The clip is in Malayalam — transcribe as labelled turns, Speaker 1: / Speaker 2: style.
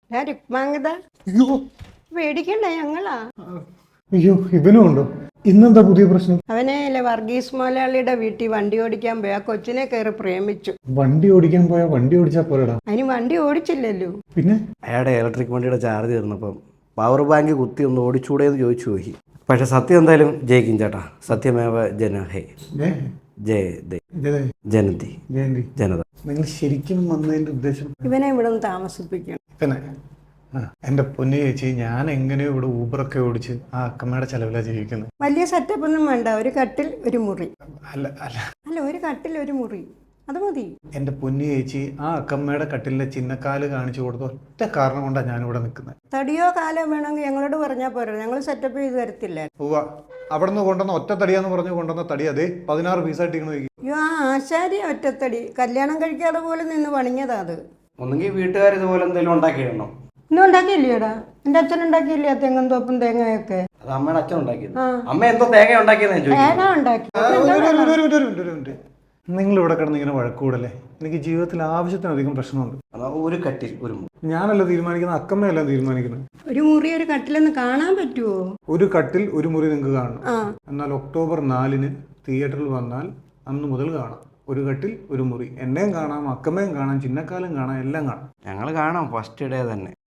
Speaker 1: രുക്മാംഗത
Speaker 2: അയ്യോ
Speaker 1: പേടിക്കണ്ട ഞങ്ങളാ.
Speaker 2: അയ്യോ ഇവനും ഉണ്ടോ? ഇന്നെന്താ പുതിയ പ്രശ്നം?
Speaker 1: അവനെ വർഗീസ് മുതലാളിയുടെ വീട്ടിൽ വണ്ടി ഓടിക്കാൻ പോയി ആ കൊച്ചിനെ കയറി പ്രേമിച്ചു.
Speaker 2: വണ്ടി ഓടിക്കാൻ പോയാ വണ്ടി ഓടിച്ചാ പോരടാ.
Speaker 1: അതിന് വണ്ടി ഓടിച്ചില്ലല്ലോ.
Speaker 2: പിന്നെ
Speaker 3: അയാളുടെ ഇലക്ട്രിക് വണ്ടിയുടെ ചാർജ് തീർന്നപ്പം പവർ ബാങ്ക് കുത്തി ഒന്ന് ഓടിച്ചൂടെ എന്ന് ചോദിച്ചു പോയി. പക്ഷെ സത്യം എന്തായാലും ജയിക്കും ചേട്ടാ. സത്യമേവ ജനഹേ
Speaker 2: ഏ,
Speaker 3: ജയ
Speaker 2: ഇതേ,
Speaker 3: ജനതി
Speaker 2: ജയന്തി,
Speaker 3: ജനത.
Speaker 2: നിങ്ങൾ ശരിക്കും വന്നതിന്റെ ഉദ്ദേശം?
Speaker 1: ഇവനെ ഇവിടെ നിന്ന് താമസിപ്പിക്കണം.
Speaker 2: പിന്നെ എന്റെ പൊന്നു ചേച്ചി, ഞാൻ എങ്ങനെയോ ഇവിടെ ഊബറൊക്കെ ഓടിച്ച് ആ അക്കമ്മയുടെ ചെലവിലാ ജീവിക്കുന്നത്.
Speaker 1: വലിയ സെറ്റപ്പ് ഒന്നും വേണ്ട. ഒരു കട്ടിൽ ഒരു മുറി.
Speaker 2: അല്ല അല്ല
Speaker 1: അല്ല, ഒരു കട്ടിൽ ഒരു മുറി, അത് മതി.
Speaker 2: എന്റെ പൊന്നു ചേച്ചി, ആ അക്കമ്മയുടെ കട്ടിലെ ചിന്നക്കാല് കാണിച്ചു കൊടുത്ത ഒറ്റ കാരണം കൊണ്ടാണ് ഞാനിവിടെ നിൽക്കുന്നത്.
Speaker 1: തടിയോ കാലോ വേണമെങ്കിൽ ഞങ്ങളോട് പറഞ്ഞാൽ പോരാ, ഞങ്ങൾ സെറ്റപ്പ് ചെയ്ത് തരത്തില്ല.
Speaker 2: പോവാ അവിടെ നിന്ന് കൊണ്ടുവന്ന ഒറ്റ തടിയാന്ന് പറഞ്ഞു കൊണ്ടുവന്ന തടി അതേ 16 പീസായിട്ടിരിക്കണ.
Speaker 1: അയ്യോ, ആ ആശാരി ഒറ്റത്തടി കല്യാണം കഴിക്കാതെ പോലെ നിന്ന് പണിഞ്ഞതാ അത്.
Speaker 3: ഒന്നെങ്കിൽ വീട്ടുകാർ ഇതുപോലെ എന്തെങ്കിലും ഉണ്ടാക്കിയിടണം.
Speaker 1: ഇന്നും ഉണ്ടാക്കിയില്ലേടാ? എൻ്റെ അച്ഛൻ ഉണ്ടാക്കിയില്ലേ ആ തെങ്ങും തോപ്പും തേങ്ങയൊക്കെ?
Speaker 3: അത് അമ്മയുടെ അച്ഛൻ ഉണ്ടാക്കിയത്.
Speaker 1: ആ.
Speaker 3: അമ്മ എന്തോ തേങ്ങ ഉണ്ടാക്കിയെന്ന് ചോദിച്ചു.
Speaker 1: തേങ്ങ ഉണ്ടാക്കി.
Speaker 2: നിങ്ങൾ ഇവിടെ കിടന്ന് ഇങ്ങനെ വഴക്കൂടല്ലേ? എനിക്ക് ജീവിതത്തിൽ ആവശ്യത്തിനധികം പ്രശ്നമുണ്ട്.
Speaker 3: അതാ ഒരു കട്ടിൽ ഒരു മുറി.
Speaker 2: ഞാനല്ല തീരുമാനിക്കുന്നത്, അക്കമ്മയല്ല തീരുമാനിക്കുന്നത്.
Speaker 1: ഒരു മുറി ഒരു കട്ടിലൊന്ന് കാണാൻ പറ്റുമോ?
Speaker 2: ഒരു കട്ടിൽ ഒരു മുറി നിങ്ങൾക്ക് കാണണം.
Speaker 1: ആ,
Speaker 2: എന്നാൽ ഒക്ടോബർ 4-ന് തിയേറ്ററിൽ വന്നാൽ അന്ന് മുതൽ കാണാം. ഒരു കട്ടിൽ ഒരു മുറി. എന്നെയും കാണാം, അക്കമ്മയും കാണാം, ചിന്നക്കാലും കാണാം, എല്ലാം കാണാം.
Speaker 3: ഞങ്ങൾ കാണാം ഫസ്റ്റ് ഡേ തന്നെ.